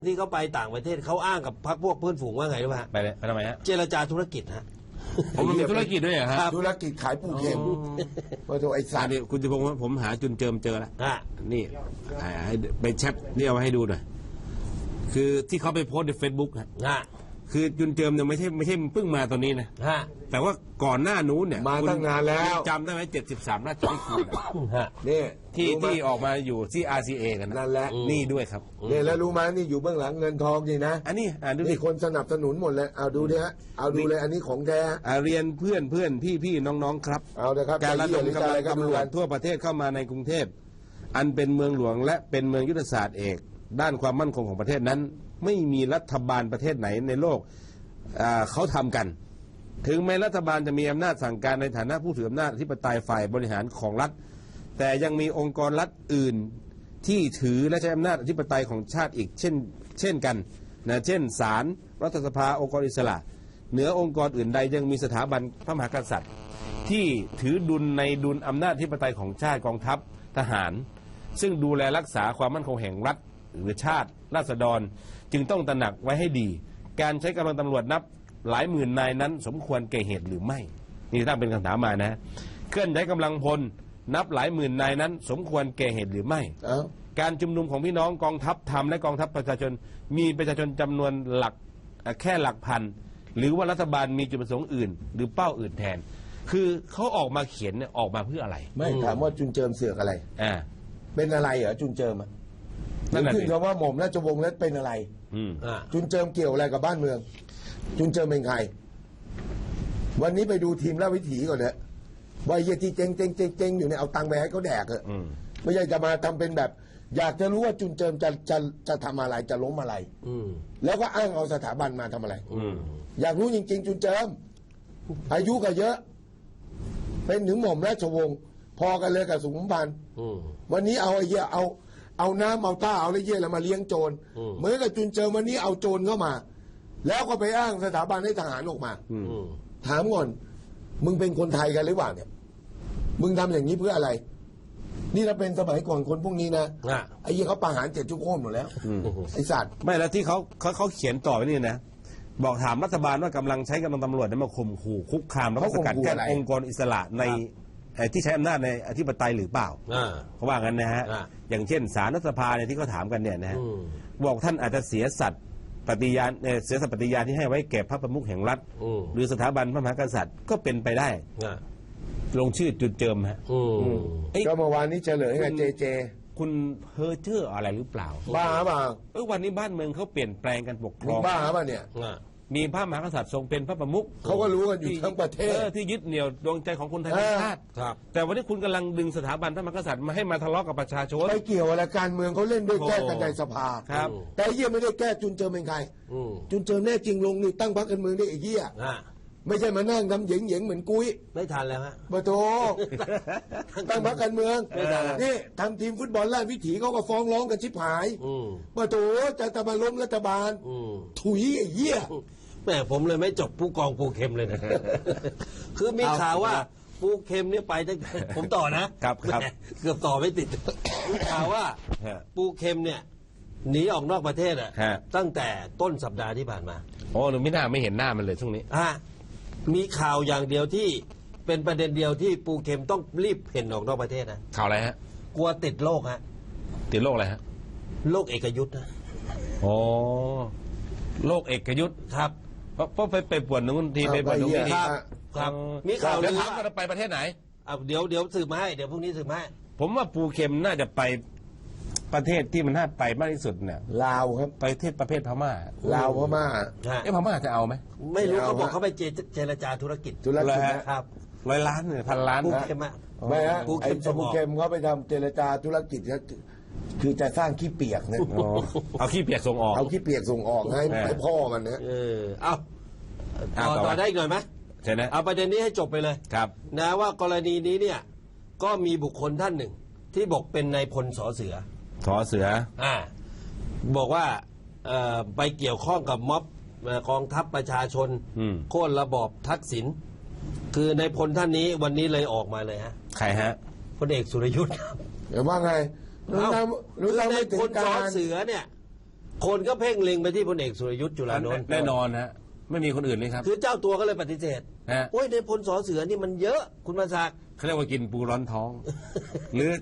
ที่เขาไปต่างประเทศเขาอ้างกับพรรคพวกเพื่อนฝูงว่าไงรู้ไหมฮะไปเลยไปทำไมฮะเจรจาธุรกิจฮะผมมีธุรกิจด้วยเหรอฮะธุรกิจขายปูเข็มโอ้โหไอ้สัตว์นี่คุณจะพงศ์ว่าผมหาจุนเจิมเจอแล้วนี่ให้ไปแชทนี่เอาไว้ให้ดูหน่อยคือที่เขาไปโพสใน Facebook ฮะคือจุนเจิมเนี่ยไม่ใช่เพิ่งมาตอนนี้นะแต่ว่าก่อนหน้านู้นเนี่ยมาตั้งนานแล้วจำได้ไหม73ราชนิกูลนี่ที่ออกมาอยู่ที่ RCA กันนั่นแหละนี่ด้วยครับนี่แล้วรู้ไหมนี่อยู่เบื้องหลังเงินทองนี่นะอันนี้ดูนี่คนสนับสนุนหมดเลยเอาดูดิฮะเอาดูเลยอันนี้ของแท้เรียนเพื่อนพี่น้องครับเอาเลยครับการระดมกำลังตำรวจทั่วประเทศเข้ามาในกรุงเทพอันเป็นเมืองหลวงและเป็นเมืองยุทธศาสตร์เอกด้านความมั่นคงของประเทศนั้นไม่มีรัฐบาลประเทศไหนในโลกเขาทำกันถึงแม้รัฐบาลจะมีอำนาจสั่งการในฐานะผู้ถืออำนาจอธิปไตยฝ่ายบริหารของรัฐแต่ยังมีองค์กรรัฐอื่นที่ถือและใช้อำนาจอธิปไตยของชาติอีกเช่นกันนะเช่นศาลรัฐสภาองค์กรอิสระเหนือองค์กรอื่นใดยังมีสถาบันพระมหากษัตริย์ที่ถือดุลในดุลอำนาจอธิปไตยของชาติกองทัพทหารซึ่งดูแลรักษาความมั่นคงแห่งรัฐหรือชาติราษฎรจึงต้องตระหนักไว้ให้ดีการใช้กำลังตำรวจนับหลายหมื่นนายนั้นสมควรแก่เหตุหรือไม่นี่ตั้งเป็นคำถามมานะเคลื่อนย้ายกำลังพลนับหลายหมื่นนายนั้นสมควรแก่เหตุหรือไม่การชุมนุมของพี่น้องกองทัพธรรมและกองทัพประชาชนมีประชาชนจำนวนหลักแค่หลักพันหรือว่ารัฐบาลมีจุดประสงค์อื่นหรือเป้าอื่นแทนคือเขาออกมาเขียนเนี่ยออกมาเพื่ออะไรไม่ถามว่าจุนเจิมเสือกอะไรเป็นอะไรเหรอจุนเจิมนั่นคือคำว่าหม่อมราชวงศ์แล้วเป็นอะไรจุนเจิมเกี่ยวอะไรกับบ้านเมืองจุนเจิมเป็นใครวันนี้ไปดูทีมราชวิถีก่อนเถอะว่าเยี่ยที่เจ๊งอยู่เนี่ยเอาตังค์ไปให้เขาแดกเถอะไม่ใช่จะมาทำเป็นแบบอยากจะรู้ว่าจุนเจิมจะทำอะไรจะล้มอะไรแล้วก็อ้างเอาสถาบันมาทำอะไรอยากรู้จริงๆจุนเจิมอายุก็เยอะเป็นถึงหม่อมราชวงศ์พอกันเลยกับสุขุมพันธ์วันนี้เอาไอ้เหี้ยเอาน้ำเอาต้าเอาไอ้เหี้ยแล้วมาเลี้ยงโจรเหมือนกับจุนเจิมวันนี้เอาโจรเข้ามาแล้วก็ไปอ้างสถาบันให้ทหารออกมาถามก่อนมึงเป็นคนไทยกันหรือเปล่าเนี่ยมึงทำอย่างนี้เพื่ออะไรนี่เราเป็นสมัยก่อนคนพวกนี้นะไอ้ยี่เขาประหาร7 ชั่วโมงหมดแล้วไอ้สัตว์ไม่แล้วที่เขาเขียนต่อไปนี่นะบอกถามรัฐบาลว่ากำลังใช้กำลังตำรวจมาข่มขู่คุกคามแล้วก็สกัดกั้นองค์กรอิสระในที่ใช้อำนาจในอธิปไตยหรือเปล่าเขาว่างั้นนะฮะอย่างเช่นศาลรัฐสภาเนี่ยที่เขาถามกันเนี่ยนะฮะบอกท่านอาจจะเสียสัตย์ปฏิญาณที่ให้ไว้แก่พระประมุขแห่งรัฐหรือสถาบันพระมหากษัตริย์ก็เป็นไปได้ลงชื่อจุดเจิมฮะก็เมื่อวานนี้เฉลยไงเจคุณเพ้อเจ้ออะไรหรือเปล่าบ้าเปล่าวันนี้บ้านเมืองเขาเปลี่ยนแปลงกันปกครองบ้าเปล่าเนี่ยมีพระมหากษัตริย์ทรงเป็นพระประมุขเขาก็รู้กันอยู่ทั้งประเทศที่ยึดเหนี่ยวดวงใจของคนไทยทั้งชาติแต่วันนี้คุณกำลังดึงสถาบันพระมหากษัตริย์มาให้มาทะเลาะกับประชาชนไปเกี่ยวอะไรการเมืองเขาเล่นด้วยแก้กันในสภาแต่เยี่ยไม่ได้แก้จุนเจิมเป็นใครจุนเจิมแน่จริงลงนี่ตั้งพรรคการเมืองได้ไอ้เหี้ยไม่ใช่มานั่งทำเหยิงเหมือนกุ้ยไม่ทันแล้วฮะบโตตั้งพรรคการเมืองนี่ทำทีมฟุตบอลราชวิถีเขาก็ฟ้องร้องกันชิบหายบโตจะมาล้มรัฐบาลถุยไอ้เหี้ยแม่ผมเลยไม่จบผู้กองปูเข็มเลยนะคือมีข่าวว่าปูเข็มเนี่ยไปตั้งผมต่อนะครับเกือบต่อไม่ติดมีข่าวว่าปูเข็มเนี่ยหนีออกนอกประเทศตั้งแต่ต้นสัปดาห์ที่ผ่านมาโอ้หนูไม่เห็นหน้ามันเลยช่วงนี้มีข่าวอย่างเดียวที่เป็นประเด็นเดียวที่ปูเข็มต้องรีบเพ่นออกนอกประเทศนะข่าวอะไรฮะกลัวติดโรคฮะติดโรคอะไรฮะโรคเอกยุทธ์นะอ๋อโรคเอกยุทธ์ครับเพราะไปปวดนู้นทีไปปวดนู้นทีครับมีข่าวเดี๋ยวถามกันไปประเทศไหนเดี๋ยวสืบมาให้เดี๋ยวพรุ่งนี้สืบมาให้ผมว่าปูเข็มน่าจะไปประเทศที่มันน่าไปมากที่สุดเนี่ยลาวครับประเภทพม่าลาวพม่าพม่าจะเอาไหมไม่รู้เขาบอกเขาไปเจรจาธุรกิจครับ100 ล้านเนี่ย1,000 ล้านปูเข็มไม่ฮะปูเข็มเขาไปทำเจรจาธุรกิจคือจะสร้างขี้เปียกเนี่ยเอาขี้เปียกส่งออกเอาขี้เปียกส่งออกให้พ่อมันเนี่ยต่อได้เงินไหมใช่ไหมเอาประเด็นนี้ให้จบไปเลยครับนะว่ากรณีนี้เนี่ยก็มีบุคคลท่านหนึ่งที่บอกเป็นนายพลสอเสือบอกว่าไปเกี่ยวข้องกับม็อบกองทัพประชาชนโค่นระบอบทักษิณคือในพลท่านนี้วันนี้เลยออกมาเลยฮะใครฮะพลเอกสุรยุทธ์เดี๋ยวว่าไงรู้ในพลสอเสือเนี่ยคนก็เพ่งเล็งไปที่พลเอกสุรยุทธ์จุลานนท์แน่นอนฮะไม่มีคนอื่นเลยครับคือเจ้าตัวก็เลยปฏิเสธฮะโอ้ยในพลสอเสือนี่มันเยอะคุณมาศักดิ์เขาเรียกว่ากินปูร้อนท้อง หรือ